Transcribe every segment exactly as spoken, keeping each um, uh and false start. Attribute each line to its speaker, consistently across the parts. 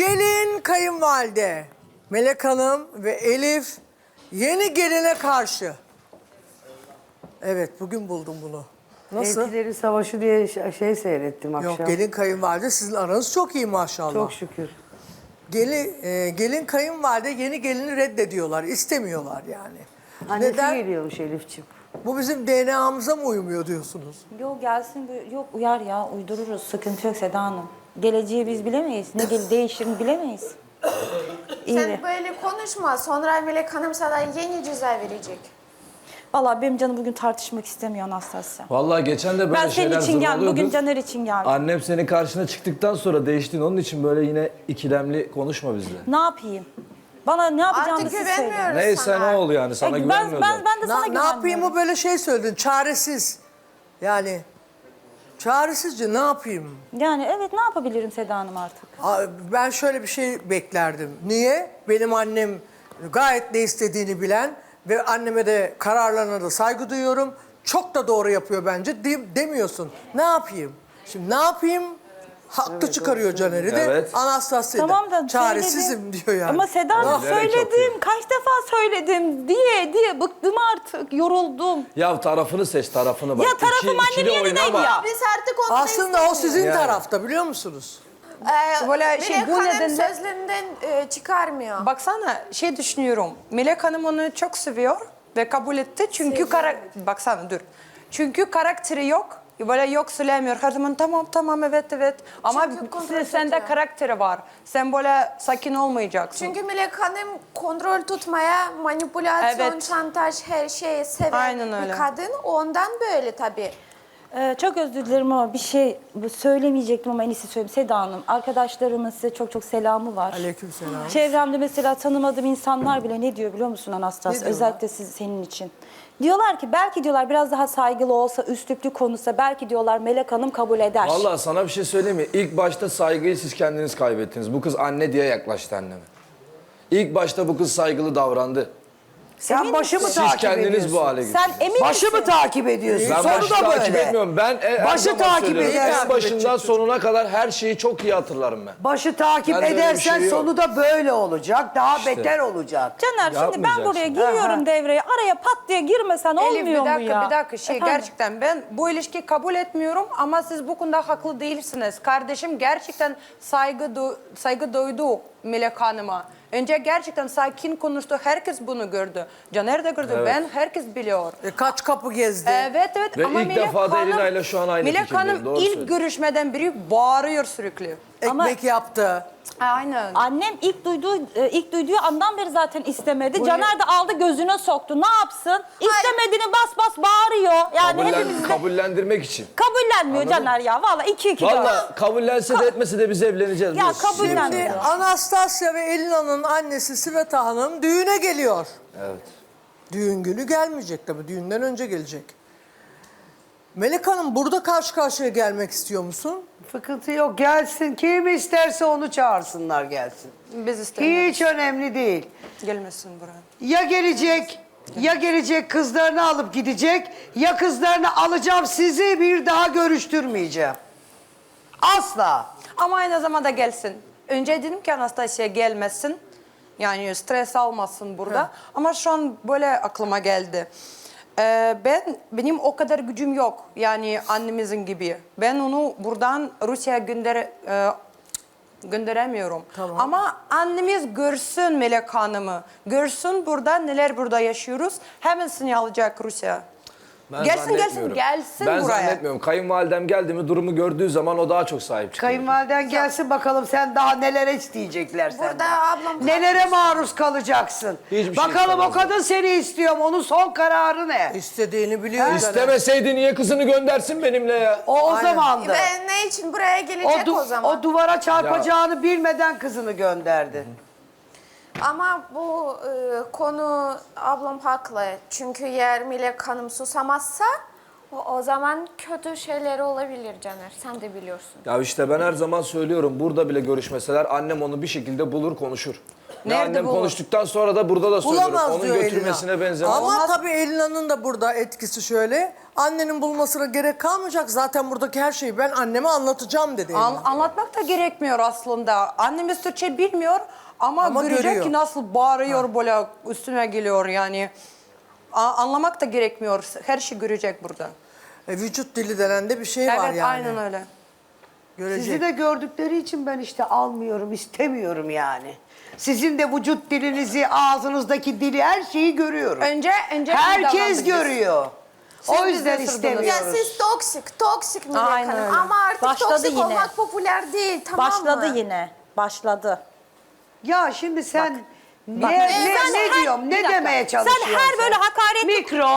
Speaker 1: Gelin kayınvalide Melek Hanım ve Elif yeni geline karşı. Evet, bugün buldum bunu. Nasıl?
Speaker 2: Eltilerin Savaşı diye şey seyrettim akşam.
Speaker 1: Yok, gelin kayınvalide sizin aranız çok iyi maşallah.
Speaker 2: Çok şükür.
Speaker 1: Gelin, e, gelin kayınvalide yeni gelini reddediyorlar, istemiyorlar yani.
Speaker 2: Annesi
Speaker 1: Neden?
Speaker 2: geliyormuş Elif'ciğim.
Speaker 1: Bu bizim D N A'mıza mı uymuyor diyorsunuz?
Speaker 3: Yok gelsin, bu- yok uyar ya, uydururuz. Sıkıntı yok Seda Hanım. Geleceği biz bilemeyiz. Ne gel değişir mi bilemeyiz. İyi.
Speaker 4: Sen böyle konuşma. Sonra Melek Hanım sana yeni ceza verecek.
Speaker 3: Vallahi benim canım bugün tartışmak istemiyor Anastasya.
Speaker 5: Vallahi geçen de böyle
Speaker 3: Ben
Speaker 5: şeyler
Speaker 3: senin için geldim.
Speaker 5: zırvalıyorduk.
Speaker 3: Bugün Caner için geldim.
Speaker 5: Annem senin karşına çıktıktan sonra değiştin. Onun için böyle yine ikilemli konuşma bizle.
Speaker 3: Ne yapayım? Bana ne yapacağını
Speaker 4: Artık
Speaker 3: siz söyleyin.
Speaker 4: güvenmiyoruz
Speaker 5: Neyse
Speaker 4: sana.
Speaker 5: ne oldu yani sana
Speaker 3: E, ben,
Speaker 5: güvenmiyordum.
Speaker 3: ben, ben de sana
Speaker 1: Na, ne
Speaker 3: güvenmiyorum.
Speaker 1: yapayım o böyle şey söyledin, çaresiz. Yani çaresizce ne yapayım?
Speaker 3: Yani evet, ne yapabilirim Seda Hanım artık?
Speaker 1: Aa, Ben şöyle bir şey beklerdim. Niye? Benim annem gayet ne istediğini bilen ve anneme de kararlarına da saygı duyuyorum. Çok da doğru yapıyor bence de- demiyorsun. Ne yapayım? Şimdi ne yapayım? Haklı çıkarıyor Caner'i de.
Speaker 5: Evet.
Speaker 1: Anastasya
Speaker 3: Tamam da
Speaker 1: çaresizim
Speaker 3: söyledim.
Speaker 1: diyor yani.
Speaker 3: Ama Seda Hanım
Speaker 5: Bilerek
Speaker 3: söyledim.
Speaker 5: yapıyor.
Speaker 3: Kaç defa söyledim diye diye bıktım artık. Yoruldum.
Speaker 5: Ya tarafını seç tarafını bak.
Speaker 3: Ya tarafım
Speaker 5: İki- ikili
Speaker 3: annemin yanındaydı
Speaker 5: oynama.
Speaker 3: ya.
Speaker 4: Biz artık onu
Speaker 1: Aslında o sizin
Speaker 5: Yani.
Speaker 1: tarafta biliyor musunuz?
Speaker 4: Ee,
Speaker 6: Böyle şey,
Speaker 4: Melek
Speaker 6: bu
Speaker 4: Hanım
Speaker 6: nedenle-
Speaker 4: sözlerinden e, çıkarmıyor.
Speaker 6: Baksana şey düşünüyorum. Melek Hanım onu çok seviyor ve kabul etti. Çünkü kara... baksana dur. Çünkü karakteri yok. Böyle yok söylemiyor. Her zaman tamam tamam evet evet. Ama
Speaker 4: Çünkü kontrol
Speaker 6: sen- sende
Speaker 4: tutuyor.
Speaker 6: karakteri var. Sen böyle sakin olmayacaksın.
Speaker 4: Çünkü Melek Hanım kontrol tutmaya, manipülasyon,
Speaker 6: Evet.
Speaker 4: şantaj, her şeyi seven
Speaker 6: Aynen öyle.
Speaker 4: bir kadın. Ondan böyle tabii.
Speaker 3: Ee, çok özür dilerim ama bir şey bu söylemeyecektim ama en iyisi söyleyeyim. Seda Hanım, arkadaşlarımın size çok çok selamı var.
Speaker 1: Aleykümselam.
Speaker 3: Çevremde mesela tanımadığım insanlar bile ne diyor biliyor musun
Speaker 1: Ne
Speaker 3: Anastasya?
Speaker 1: diyorlar?
Speaker 3: Özellikle siz, senin için. Diyorlar ki belki diyorlar biraz daha saygılı olsa, üstlüklü konuşsa belki diyorlar Melek Hanım kabul eder.
Speaker 5: Vallahi sana bir şey söyleyeyim mi? İlk başta saygıyı siz kendiniz kaybettiniz. Bu kız anne diye yaklaştı anneme. İlk başta bu kız saygılı davrandı.
Speaker 2: Sen
Speaker 3: Emin
Speaker 2: başı mı
Speaker 5: Siz
Speaker 2: takip
Speaker 5: kendiniz
Speaker 2: ediyorsun?
Speaker 5: bu hale getirdiniz.
Speaker 3: Sen emin
Speaker 2: Başı
Speaker 3: misin?
Speaker 2: mı takip ediyorsun?
Speaker 5: Ben
Speaker 2: Sonu
Speaker 5: başı
Speaker 2: da
Speaker 5: takip
Speaker 2: böyle.
Speaker 5: etmiyorum. Ben e, her
Speaker 2: Başı
Speaker 5: zaman
Speaker 2: takip
Speaker 5: söylüyorum.
Speaker 2: edersin.
Speaker 5: En başından sonuna kadar her şeyi çok iyi hatırlarım ben.
Speaker 2: Başı takip
Speaker 5: Bende öyle bir
Speaker 2: edersen
Speaker 5: şey yok.
Speaker 2: sonu da böyle olacak. Daha
Speaker 5: İşte.
Speaker 2: beter olacak.
Speaker 3: Caner şimdi ben
Speaker 5: Yapmayacaksın.
Speaker 3: buraya giriyorum
Speaker 2: Aha.
Speaker 3: devreye. Araya pat diye girmesen
Speaker 6: Elif
Speaker 3: olmuyor
Speaker 6: bir
Speaker 3: mu
Speaker 6: dakika
Speaker 3: ya?
Speaker 6: bir dakika şey
Speaker 3: Efendim?
Speaker 6: gerçekten ben bu ilişkiyi kabul etmiyorum ama siz bu konuda haklı değilsiniz. Kardeşim gerçekten saygı du- saygı duydu Melek Hanım'a. Önce gerçekten sakin konuştu. Herkes bunu gördü. Caner de gördü.
Speaker 5: Evet.
Speaker 6: Ben herkes biliyor.
Speaker 1: E, kaç kapı gezdi?
Speaker 6: Evet evet
Speaker 5: Ve
Speaker 6: ama
Speaker 5: ilk
Speaker 6: Melek
Speaker 5: defa da
Speaker 6: Hanım,
Speaker 5: Elina ile şu an aynı
Speaker 6: Melek
Speaker 5: fikirdeyim,
Speaker 6: Hanım
Speaker 5: doğru
Speaker 6: ilk
Speaker 5: söylüyorsun.
Speaker 6: görüşmeden beri bağırıyor sürekli.
Speaker 1: Ekmek yaptı.
Speaker 6: Aynen.
Speaker 3: Annem ilk duyduğu e, ilk duyduğu andan beri zaten istemedi. Caner de aldı gözüne soktu. Ne yapsın? İstemediğini bas bas bağırıyor. Yani
Speaker 5: Kabullen-
Speaker 3: hepimiz de
Speaker 5: kabullendirmek için.
Speaker 3: kabullenmiyor
Speaker 5: Anladın
Speaker 3: Caner ya. Vallahi iki iki dört.
Speaker 5: Vallahi kabullense de etmese de biz evleneceğiz.
Speaker 3: Ya
Speaker 5: biliyorsun.
Speaker 3: kabullenmiyor.
Speaker 1: Şimdi Anastasya ve Elina'nın annesi Sveta Hanım düğüne geliyor.
Speaker 5: Evet.
Speaker 1: Düğün günü gelmeyecek tabii. Düğünden önce gelecek. Melek Hanım burada karşı karşıya gelmek istiyor musun?
Speaker 2: Sıkıntı yok. Gelsin. Kim isterse onu çağırsınlar gelsin.
Speaker 6: Biz istemiyoruz.
Speaker 2: Hiç önemli değil.
Speaker 6: Gelmesin buraya.
Speaker 2: Ya gelecek, ya gelecek kızlarını alıp gidecek, ya kızlarını alacağım sizi bir daha görüştürmeyeceğim. Asla.
Speaker 6: Ama aynı zamanda gelsin. Önce dedim ki Anastasia gelmesin. Yani stres almasın burada. Ama şu an böyle aklıma geldi. Ee, ben benim o kadar gücüm yok. Yani annemizin gibi. Ben onu buradan Rusya'ya gönder e, gönderemiyorum.
Speaker 1: Tamam.
Speaker 6: Ama annemiz görsün Melek Hanım'ı. Görsün burada neler burada yaşıyoruz. Hemen seni alacak Rusya.
Speaker 5: Ben
Speaker 6: Gelsin gelsin
Speaker 5: zannetmiyorum.
Speaker 6: gelsin
Speaker 5: ben
Speaker 6: buraya.
Speaker 5: zannetmiyorum. Kayınvalidem geldi mi durumu gördüğü zaman o daha çok sahip çıkıyor.
Speaker 2: Kayınvaliden gelsin bakalım sen daha nelere isteyecekler senden.
Speaker 4: Burada ablam...
Speaker 2: Nelere maruz kalacaksın?
Speaker 5: Hiçbir şey
Speaker 2: bakalım o
Speaker 5: istemezler.
Speaker 2: kadın seni istiyor mu? Onun son kararı ne?
Speaker 1: İstediğini biliyor Caner.
Speaker 5: İstemeseydi niye kızını göndersin benimle ya?
Speaker 2: O o
Speaker 1: Aynen.
Speaker 2: zamandı.
Speaker 4: Ben ne için buraya
Speaker 2: O,
Speaker 4: gelecek
Speaker 2: du-
Speaker 4: o zaman?
Speaker 2: o duvara çarpacağını bilmeden kızını gönderdi.
Speaker 4: Ama bu e, konu ablam haklı. Çünkü eğer Melek Hanım susamazsa o, o zaman kötü şeyler olabilir Caner. Sen de biliyorsun.
Speaker 5: Ya işte ben her zaman söylüyorum burada bile görüşmeseler annem onu bir şekilde bulur konuşur. Ne
Speaker 6: Nerede
Speaker 5: annem
Speaker 6: bulur?
Speaker 5: konuştuktan sonra da burada da söylüyorum.
Speaker 1: Bulamaz
Speaker 5: Onun
Speaker 1: diyor
Speaker 5: götürmesine
Speaker 1: Elina.
Speaker 5: benzemez.
Speaker 1: Ama tabii Elina'nın da burada etkisi şöyle. Annenin bulmasına gerek kalmayacak. Zaten buradaki her şeyi ben anneme anlatacağım dedi Elina.
Speaker 6: An- anlatmak da gerekmiyor aslında. Annemiz Türkçe bilmiyor ama,
Speaker 1: Ama
Speaker 6: görecek
Speaker 1: görüyor.
Speaker 6: ki nasıl bağırıyor böyle üstüne geliyor yani. A- anlamak da gerekmiyor. Her şey görecek burada.
Speaker 1: E, vücut dili denen de bir şey var
Speaker 6: Evet
Speaker 1: yani.
Speaker 6: aynen öyle.
Speaker 1: Görecek.
Speaker 2: Sizi de gördükleri için ben işte almıyorum, istemiyorum yani. Sizin de vücut dilinizi, ağzınızdaki dili, her şeyi görüyorum.
Speaker 6: Önce önce iyi
Speaker 2: Herkes
Speaker 6: davrandık biz.
Speaker 2: görüyor.
Speaker 6: Siz
Speaker 2: O
Speaker 6: bizi
Speaker 2: yüzden
Speaker 6: ısırdınız.
Speaker 2: istemiyoruz.
Speaker 4: Ya siz toksik, toksik Melek
Speaker 6: Aynen
Speaker 4: Hanım.
Speaker 6: öyle.
Speaker 4: Ama artık
Speaker 3: Başladı
Speaker 4: toksik
Speaker 3: yine.
Speaker 4: olmak popüler değil, tamam
Speaker 3: Başladı
Speaker 4: mı?
Speaker 3: yine. Başladı.
Speaker 2: Ya şimdi sen ne,
Speaker 3: bak.
Speaker 2: ne,
Speaker 3: Sen
Speaker 2: ne
Speaker 3: her-
Speaker 2: diyorum,
Speaker 3: bir
Speaker 2: ne
Speaker 3: dakika.
Speaker 2: demeye
Speaker 3: Sen
Speaker 2: çalışıyorsun?
Speaker 3: her böyle hakaret-
Speaker 2: Mikro,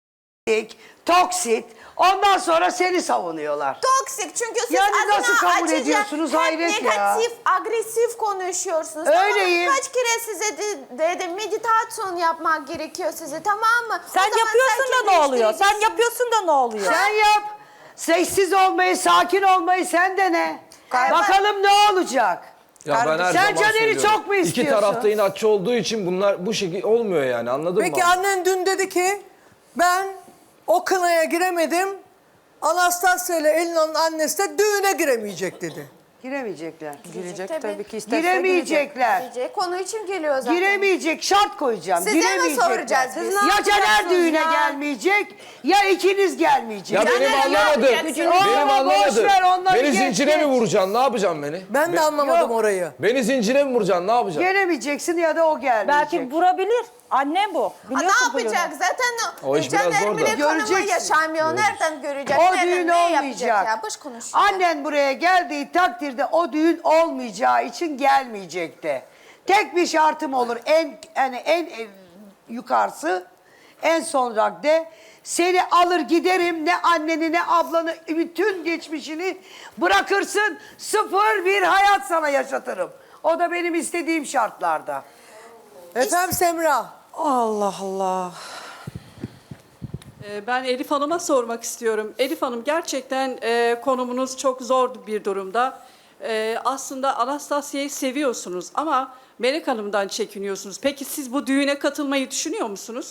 Speaker 2: toksit, ondan sonra seni savunuyorlar.
Speaker 4: Toksik çünkü siz
Speaker 2: Yani
Speaker 4: adına
Speaker 2: nasıl kabul
Speaker 4: acıca
Speaker 2: ediyorsunuz?
Speaker 4: hep
Speaker 2: Hayret ya.
Speaker 4: negatif, agresif konuşuyorsunuz.
Speaker 2: Öyleyim.
Speaker 4: Tamam, kaç kere size de- dedim meditasyon yapmak gerekiyor size, tamam mı? O
Speaker 3: Sen
Speaker 4: zaman
Speaker 3: yapıyorsun da ne
Speaker 4: kendini
Speaker 3: oluyor? Sen
Speaker 4: değiştireceksin.
Speaker 3: yapıyorsun da ne oluyor?
Speaker 2: Sen yap. Sessiz olmayı, sakin olmayı sen de ne?
Speaker 4: Evet.
Speaker 2: Bakalım ne olacak?
Speaker 5: Ya ben her
Speaker 2: Sen
Speaker 5: zaman
Speaker 2: Caner'i
Speaker 5: söylüyorum.
Speaker 2: çok mu
Speaker 5: İki
Speaker 2: istiyorsun?
Speaker 5: tarafta inatçı olduğu için bunlar bu şekilde olmuyor yani, anladın
Speaker 1: Peki
Speaker 5: mı?
Speaker 1: annen dün dedi ki ben o kınaya giremedim. Anastasya ile Elina'nın annesi de düğüne giremeyecek dedi.
Speaker 2: Giremeyecekler.
Speaker 6: Girecek
Speaker 4: Tabii.
Speaker 6: tabii ki isterse girecek.
Speaker 2: Giremeyecekler.
Speaker 4: Diyecek, konu için geliyor zaten.
Speaker 2: Giremeyecek, şart koyacağım.
Speaker 4: Size mi
Speaker 2: Giremeyecekler.
Speaker 4: soracağız biz?
Speaker 2: Ya
Speaker 4: Ne
Speaker 2: Caner
Speaker 4: yapacaksınız
Speaker 2: düğüne
Speaker 4: ya?
Speaker 2: gelmeyecek, ya ikiniz gelmeyecek.
Speaker 5: Ya benim
Speaker 4: Caner, ne
Speaker 5: anlamadım.
Speaker 4: yapacaksın?
Speaker 5: Benim
Speaker 2: Aa, boş
Speaker 5: anlamadım.
Speaker 2: ver, onları
Speaker 5: Beni
Speaker 2: geç,
Speaker 5: zincire mi
Speaker 2: geç.
Speaker 5: vuracaksın? Ne yapacaksın beni?
Speaker 1: Ben de anlamadım
Speaker 2: Yok.
Speaker 1: orayı.
Speaker 5: Beni zincire mi vuracaksın? Ne yapacaksın?
Speaker 2: Gelemeyeceksin ya da o gelmeyecek.
Speaker 3: Belki vurabilir. Annem bu.
Speaker 4: Ha,
Speaker 3: Biliyorsun
Speaker 4: ne yapacak?
Speaker 3: huyunu.
Speaker 4: Zaten
Speaker 5: O iş biraz
Speaker 4: Caner
Speaker 5: zor da.
Speaker 4: Melek Hanım'la
Speaker 2: Göreceksin.
Speaker 4: yaşamıyor. Nereden görecek?
Speaker 2: O
Speaker 4: Nereden,
Speaker 2: düğün
Speaker 4: ne yapacak
Speaker 2: olmayacak.
Speaker 4: ya? Boş konuşuyor.
Speaker 2: Annen buraya geldiği takdirde o düğün olmayacağı için gelmeyecekti. Tek bir şartım olur. En yani en, en yukarısı, en son radde seni alır giderim, ne anneni ne ablanı, bütün geçmişini bırakırsın, sıfır bir hayat sana yaşatırım. O da benim istediğim şartlarda.
Speaker 1: Efendim Semra.
Speaker 6: Allah Allah.
Speaker 7: Ee, Ben Elif Hanım'a sormak istiyorum. Elif Hanım, gerçekten e, konumunuz çok zor bir durumda. E, aslında Anastasya'yı seviyorsunuz ama Melek Hanım'dan çekiniyorsunuz. Peki siz bu düğüne katılmayı düşünüyor musunuz?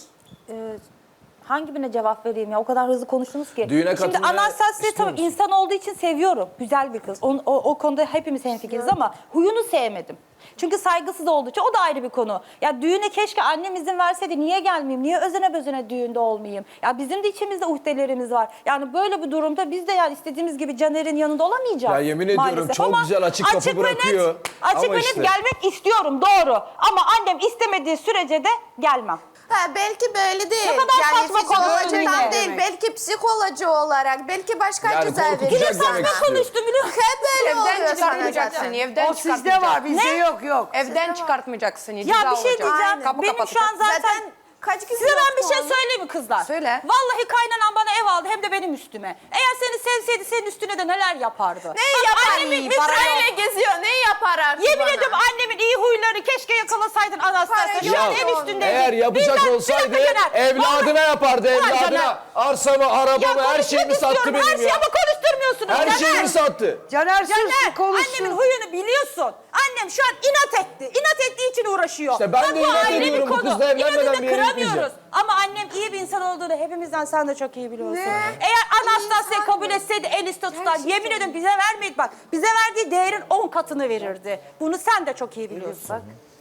Speaker 3: Hangi birine cevap vereyim ya? O kadar hızlı konuştunuz ki.
Speaker 5: Düğüne
Speaker 3: Şimdi
Speaker 5: katılmaya
Speaker 3: Anastasia
Speaker 5: istiyor
Speaker 3: tabii
Speaker 5: musun?
Speaker 3: insan olduğu için seviyorum. Güzel bir kız. O, o, o konuda hepimiz hemfikiriz ama huyunu sevmedim. Çünkü saygısız olduğu için o da ayrı bir konu. Ya düğüne keşke annem izin verseydi, niye gelmeyeyim? Niye özene bezene düğünde olmayayım? Ya bizim de içimizde uhdelerimiz var. Yani böyle bir durumda biz de yani istediğimiz gibi Caner'in yanında olamayacağız.
Speaker 5: Ya yemin ediyorum
Speaker 3: maalesef.
Speaker 5: çok
Speaker 3: Ama
Speaker 5: güzel açık kapı
Speaker 3: ve net-
Speaker 5: bırakıyor.
Speaker 3: Açık
Speaker 5: Ama
Speaker 3: ve net
Speaker 5: işte.
Speaker 3: gelmek istiyorum, doğru. Ama annem istemediği sürece de gelmem.
Speaker 4: Ha, belki böyle değil.
Speaker 3: Ne kadar
Speaker 4: yani
Speaker 3: saçma konuştun
Speaker 4: fizyolojiden
Speaker 3: yine.
Speaker 4: değil. Belki psikoloji olarak. Belki başka
Speaker 5: Yani
Speaker 4: güzel bir
Speaker 5: korkutacak
Speaker 4: insan.
Speaker 5: demek
Speaker 3: Saçma konuştu biliyor musun?
Speaker 4: Hep böyle
Speaker 6: Evden
Speaker 4: oluyor sana
Speaker 6: çıkartmayacaksın.
Speaker 4: zaten.
Speaker 6: Evden
Speaker 2: O sizde var, bizde yok yok.
Speaker 6: Evden çıkartmayacaksın.
Speaker 3: Ya
Speaker 6: ceza
Speaker 3: bir şey
Speaker 6: olacak.
Speaker 3: diyeceğim.
Speaker 6: Kapı
Speaker 3: Benim şu an
Speaker 6: kapatacak.
Speaker 3: zaten...
Speaker 4: Zaten kaç gün
Speaker 3: Size ben bir
Speaker 4: yoktu
Speaker 3: şey
Speaker 4: onun?
Speaker 3: söyleyeyim mi kızlar?
Speaker 6: Söyle.
Speaker 3: Vallahi kaynanan bana ev aldı hem de benim üstüme. Eğer seni sevseydi senin üstüne de neler yapardı.
Speaker 4: Neyi
Speaker 3: Bak,
Speaker 4: yapar?
Speaker 3: annemin
Speaker 4: Para
Speaker 3: üstüne-
Speaker 4: ile geziyor. Neyi yapar artık
Speaker 3: Yemin
Speaker 4: bana?
Speaker 3: ediyorum annemin iyi huylarını keşke yakalasaydın Anastasia.
Speaker 4: Para
Speaker 3: Şu an
Speaker 4: yok
Speaker 3: ev
Speaker 4: onun.
Speaker 3: üstünde.
Speaker 5: Eğer yapacak olsaydı evladına yapardı, evladına. Arsamı, arabamı, her şeyimi sattı benim
Speaker 3: Her şeyi
Speaker 5: ya.
Speaker 3: ama konuşturmuyorsunuz.
Speaker 5: Her
Speaker 3: Caner.
Speaker 5: şeyimi sattı.
Speaker 2: Caner sus,
Speaker 3: Caner,
Speaker 2: konuşsun.
Speaker 3: annemin huyunu biliyorsun. Annem şu an inat etti. İnat ettiği için uğraşıyor.
Speaker 5: İşte ben
Speaker 3: Bak,
Speaker 5: de
Speaker 3: bu
Speaker 5: inat
Speaker 3: ayrı bir
Speaker 5: ediyorum. Bu
Speaker 3: konu.
Speaker 5: kızla evlenmeden
Speaker 3: İnadını
Speaker 5: bir yere
Speaker 3: kıramıyoruz.
Speaker 5: gitmeyeceğim.
Speaker 3: Ama annem iyi bir insan olduğunu hepimizden sen de çok iyi biliyorsun.
Speaker 4: Ne?
Speaker 3: Eğer Anastasia
Speaker 4: İnsan
Speaker 3: kabul
Speaker 4: mı?
Speaker 3: etseydi el üstte tutar.
Speaker 4: Gerçekten.
Speaker 3: Yemin ediyorum bize vermeyip bak. Bize verdiği değerin on katını verirdi. Bunu sen de çok iyi biliyorsun.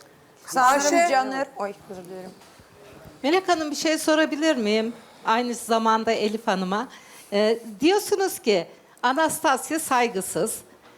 Speaker 6: Sanırım
Speaker 1: Ayşe-
Speaker 6: Caner... Oy özür dilerim.
Speaker 8: Melek Hanım, bir şey sorabilir miyim? Aynı zamanda Elif Hanım'a. Ee, diyorsunuz ki Anastasia saygısız.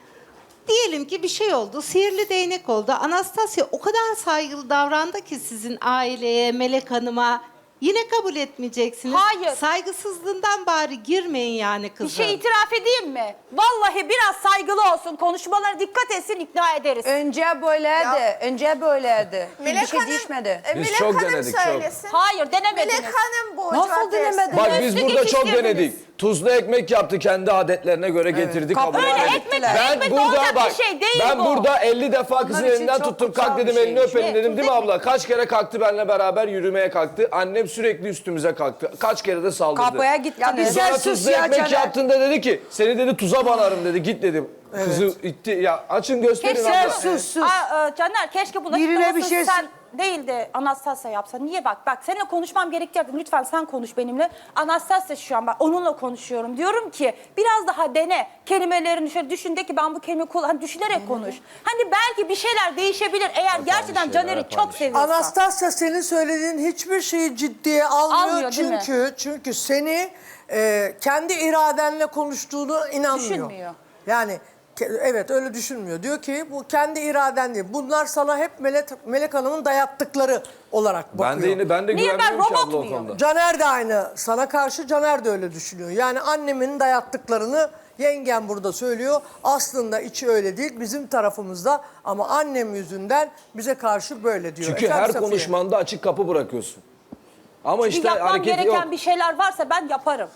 Speaker 8: Diyelim ki bir şey oldu, sihirli değnek oldu. Anastasia o kadar saygılı davrandı ki sizin aileye, Melek Hanım'a. Yine kabul etmeyeceksiniz.
Speaker 3: Hayır.
Speaker 8: Saygısızlığından bari girmeyin yani
Speaker 3: Bir
Speaker 8: kızım.
Speaker 3: şey itiraf edeyim mi? Vallahi biraz saygılı olsun. Konuşmalarına dikkat etsin, ikna ederiz.
Speaker 6: Önce böyleydi. Önce böyleydi.
Speaker 4: Melek
Speaker 6: bir şey
Speaker 4: Hanım,
Speaker 6: değişmedi.
Speaker 4: e,
Speaker 5: Biz
Speaker 4: Melek
Speaker 5: çok
Speaker 4: Hanım
Speaker 5: denedik, çok.
Speaker 4: söylesin.
Speaker 3: Hayır denemediniz.
Speaker 4: Melek Hanım bu
Speaker 6: Nasıl
Speaker 4: cevap versin.
Speaker 6: denemedin?
Speaker 5: Bak biz
Speaker 3: Üstü
Speaker 5: burada çok
Speaker 3: geçiştirdiniz.
Speaker 5: denedik. Tuzlu ekmek yaptı, kendi adetlerine göre getirdi, kabul
Speaker 6: Öyle
Speaker 5: etmedi.
Speaker 3: ekmek,
Speaker 5: Ben
Speaker 3: ekmek
Speaker 5: burada
Speaker 3: olacak
Speaker 5: bak,
Speaker 3: bir şey değil
Speaker 5: ben
Speaker 3: bu.
Speaker 5: burada elli defa kızın
Speaker 2: için
Speaker 5: elinden
Speaker 2: çok
Speaker 5: tuttum,
Speaker 2: kutsal
Speaker 5: kalk
Speaker 2: bir
Speaker 5: dedim, elini
Speaker 2: şeymiş.
Speaker 5: öpelim
Speaker 3: Ne?
Speaker 5: dedim, değil mi
Speaker 3: Tuzlu
Speaker 5: abla? Kaç kere kalktı benimle beraber yürümeye kalktı. Annem sürekli üstümüze kalktı. Kaç kere de saldırdı.
Speaker 6: Kapıya
Speaker 2: Ya
Speaker 6: gittiniz.
Speaker 2: biz- Sen
Speaker 5: Sonra
Speaker 2: sus
Speaker 5: tuzlu
Speaker 2: ya
Speaker 5: ekmek
Speaker 2: Caner.
Speaker 5: yaptığında dedi ki, seni dedi tuza banarım dedi, git dedim. Kızı itti. Ya açın gösterin
Speaker 3: Keşke
Speaker 5: abla.
Speaker 2: Sen sus sus.
Speaker 3: Aa, e, Caner keşke bunu
Speaker 2: Birine
Speaker 3: açıklamasını
Speaker 2: bir şey
Speaker 3: sen değil de Anastasya yapsa. Niye bak bak seninle konuşmam gerekecek. Lütfen sen konuş benimle. Anastasya şu an bak onunla konuşuyorum. Diyorum ki biraz daha dene. Kelimelerini şöyle düşün de ki ben bu kelime kullan. Hani düşünerek konuş. Hani belki bir şeyler değişebilir eğer gerçekten
Speaker 5: şeyler,
Speaker 3: Caner'i
Speaker 5: yapan
Speaker 3: çok
Speaker 5: bir şey.
Speaker 3: seviyorsa.
Speaker 1: Anastasya senin söylediğin hiçbir şeyi ciddiye almıyor.
Speaker 3: Almıyor, değil mi?
Speaker 1: çünkü çünkü seni e, kendi iradenle konuştuğunu inanmıyor.
Speaker 3: Düşünmüyor.
Speaker 1: Yani ke- evet öyle düşünmüyor. Diyor ki bu kendi iraden değil. Bunlar sana hep Melek, Melek Hanım'ın dayattıkları olarak bakıyor.
Speaker 5: Ben de yine ben de
Speaker 3: Niye, ben
Speaker 5: güvenmiyorum ki
Speaker 3: robot
Speaker 5: abla o
Speaker 3: muyum?
Speaker 5: konuda.
Speaker 1: Caner de aynı. Sana karşı Caner de öyle düşünüyor. Yani annemin dayattıklarını yengem burada söylüyor. Aslında içi öyle değil. Bizim tarafımızda ama annem yüzünden bize karşı böyle diyor.
Speaker 5: Çünkü
Speaker 1: Efendim
Speaker 5: her
Speaker 1: Safiye?
Speaker 5: konuşmanda açık kapı bırakıyorsun. Ama
Speaker 3: Çünkü
Speaker 5: işte
Speaker 3: yapmam
Speaker 5: hareket
Speaker 3: gereken
Speaker 5: yok.
Speaker 3: bir şeyler varsa ben yaparım.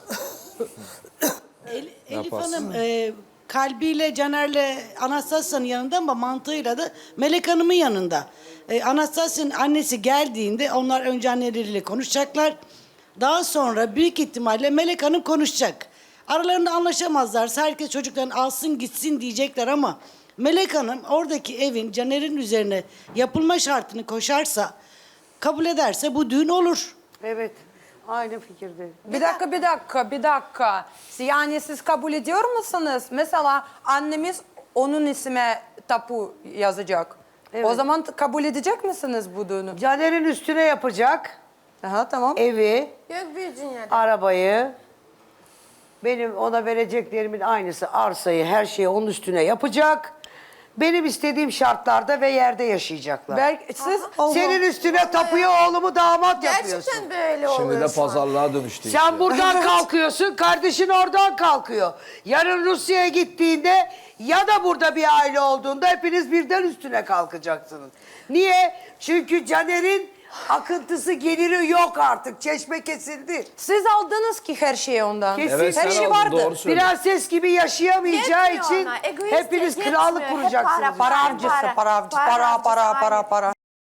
Speaker 9: El- Elif
Speaker 5: Yaparsın.
Speaker 9: Hanım e, kalbiyle Caner'le Anastasya'nın yanında ama mantığıyla da Melek Hanım'ın yanında. E, Anastasya'nın annesi geldiğinde onlar önce anneleriyle konuşacaklar. Daha sonra büyük ihtimalle Melek Hanım konuşacak. Aralarında anlaşamazlarsa herkes çocuklarını alsın gitsin diyecekler ama Melek Hanım oradaki evin Caner'in üzerine yapılma şartını koşarsa, kabul ederse bu düğün olur.
Speaker 2: Evet. Aynı fikirde.
Speaker 6: Bir dakika, bir dakika, bir dakika. Yani siz kabul ediyor musunuz? Mesela annemiz onun isme tapu yazacak.
Speaker 2: Evet.
Speaker 6: O zaman kabul edecek misiniz bu düğünü?
Speaker 2: Caner'in üstüne yapacak
Speaker 6: Aha, tamam.
Speaker 2: evi,
Speaker 4: Yok bir dünyada.
Speaker 2: arabayı, benim ona vereceklerimin aynısı arsayı, her şeyi onun üstüne yapacak. Benim istediğim şartlarda ve yerde yaşayacaklar.
Speaker 6: Belki siz
Speaker 2: Senin üstüne tapuya oğlumu damat yapıyorsun.
Speaker 4: Gerçekten böyle oluyor
Speaker 5: Şimdi de
Speaker 4: şu an.
Speaker 5: pazarlığa dönüştü.
Speaker 2: Sen
Speaker 5: işte.
Speaker 2: buradan kalkıyorsun, kardeşin oradan kalkıyor. Yarın Rusya'ya gittiğinde ya da burada bir aile olduğunda hepiniz birden üstüne kalkacaksınız. Niye? Çünkü Caner'in akıntısı geliri yok artık. Çeşme kesildi.
Speaker 6: siz aldınız ki her şeyi ondan.
Speaker 2: Kesin.
Speaker 5: Evet
Speaker 6: her
Speaker 5: sen
Speaker 6: şey
Speaker 5: aldın,
Speaker 6: vardı.
Speaker 5: doğru söylüyorsun.
Speaker 2: Prenses gibi yaşayamayacağı
Speaker 4: Yetmiyor
Speaker 2: için
Speaker 4: ona, egoist
Speaker 2: hepiniz
Speaker 4: yetmiyor.
Speaker 2: krallık
Speaker 4: Hep
Speaker 2: kuracaksınız.
Speaker 4: para,
Speaker 6: Para avcısı, para avcısı, para, para, para, para.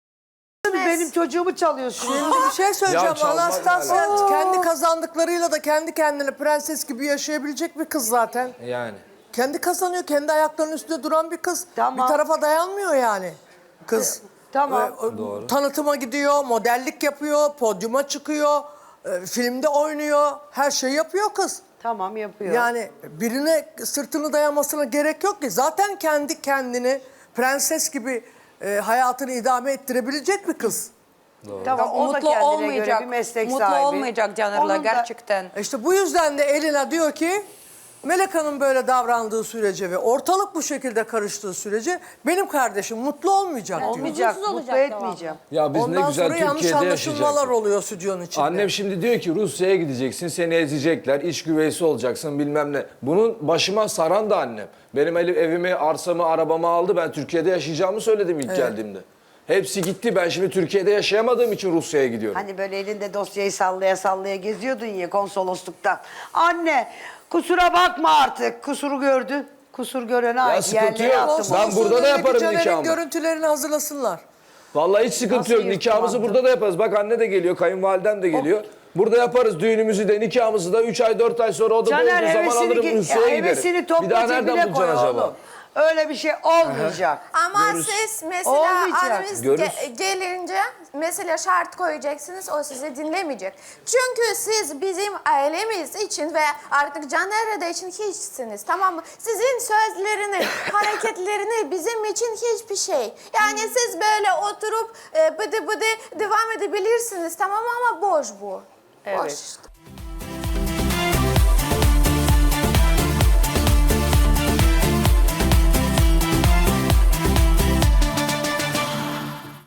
Speaker 2: Benim çocuğumu çalıyorsun.
Speaker 1: Şimdi bir şey söyleyeceğim.
Speaker 5: Ya çalmak
Speaker 1: Anastasya
Speaker 5: ne
Speaker 1: kendi kazandıklarıyla da kendi kendine prenses gibi yaşayabilecek bir kız zaten.
Speaker 5: Yani.
Speaker 1: Kendi kazanıyor, kendi ayaklarının üstünde duran bir kız.
Speaker 2: Tamam.
Speaker 1: Bir tarafa dayanmıyor yani kız.
Speaker 2: Tamam.
Speaker 1: Ee, o- Tanıtıma gidiyor, modellik yapıyor, podyuma çıkıyor, e, filmde oynuyor, her şeyi yapıyor kız.
Speaker 2: Tamam yapıyor.
Speaker 1: Yani birine sırtını dayamasına gerek yok ki. Zaten kendi kendini prenses gibi e, hayatını idame ettirebilecek bir kız.
Speaker 2: tamam, o da
Speaker 6: Mutlu
Speaker 2: kendine
Speaker 6: olmayacak.
Speaker 2: göre bir meslek
Speaker 6: Mutlu
Speaker 2: sahibi.
Speaker 6: olmayacak Caner'la
Speaker 2: Onun da-
Speaker 6: gerçekten.
Speaker 1: E İşte bu yüzden de Elina diyor ki Melek Hanım böyle davrandığı sürece ve ortalık bu şekilde karıştığı sürece benim kardeşim mutlu olmayacak diyor.
Speaker 2: Olmayacak,
Speaker 3: Huzursuz
Speaker 2: mutlu
Speaker 3: olacak
Speaker 2: etmeyeceğim.
Speaker 5: Ya biz
Speaker 1: Ondan
Speaker 5: ne güzel
Speaker 1: sonra yanlış
Speaker 5: Türkiye'de
Speaker 1: anlaşılmalar
Speaker 5: yaşayacaktık.
Speaker 1: oluyor stüdyonun içinde.
Speaker 5: Annem şimdi diyor ki Rusya'ya gideceksin, seni ezecekler, iş güveysi olacaksın bilmem ne. Bunun başıma saran da annem. Benim elim, evimi, arsamı, arabamı aldı. Ben Türkiye'de yaşayacağımı söyledim ilk geldiğimde. Hepsi gitti. Ben şimdi Türkiye'de yaşayamadığım için Rusya'ya gidiyorum.
Speaker 2: Hani böyle elinde dosyayı sallaya sallaya geziyordun ya konsolosluktan. Anne kusura bakma artık. Kusuru gördün. Kusur görene ait
Speaker 5: sıkıntı
Speaker 2: yerlere
Speaker 5: yok.
Speaker 2: attım.
Speaker 5: Ben
Speaker 1: Konsolosluğun
Speaker 5: burada da
Speaker 1: önündeki
Speaker 5: yaparım
Speaker 1: Caner'in
Speaker 5: nikahımı.
Speaker 1: görüntülerini hazırlasınlar.
Speaker 5: Vallahi hiç sıkıntı
Speaker 2: Nasıl
Speaker 5: yok.
Speaker 2: yırttım
Speaker 5: Nikahımızı
Speaker 2: attım?
Speaker 5: burada da yaparız. Bak anne de geliyor, kayınvalidem de geliyor. Burada yaparız düğünümüzü de, nikahımızı da üç ay dört ay sonra o da
Speaker 2: Caner
Speaker 5: olduğu zaman
Speaker 2: hevesini,
Speaker 5: alırım
Speaker 2: ge-
Speaker 5: Rusya'ya
Speaker 2: hevesini
Speaker 5: giderim.
Speaker 2: topla
Speaker 5: Bir daha nereden
Speaker 2: cebine koy
Speaker 5: bulacaksın acaba?
Speaker 2: oğlum. Öyle bir şey olmayacak.
Speaker 4: Ama siz mesela
Speaker 2: Olmayacak.
Speaker 4: anneniz
Speaker 5: Görürüz.
Speaker 4: ge- gelince mesela şart koyacaksınız o sizi dinlemeyecek. Çünkü siz bizim ailemiz için ve artık Caner'e de için hiçsiniz, tamam mı? Sizin sözlerini, hareketlerini bizim için hiçbir şey. Yani siz böyle oturup e, bıdı bıdı devam edebilirsiniz, tamam mı? Ama boş bu. Boş işte.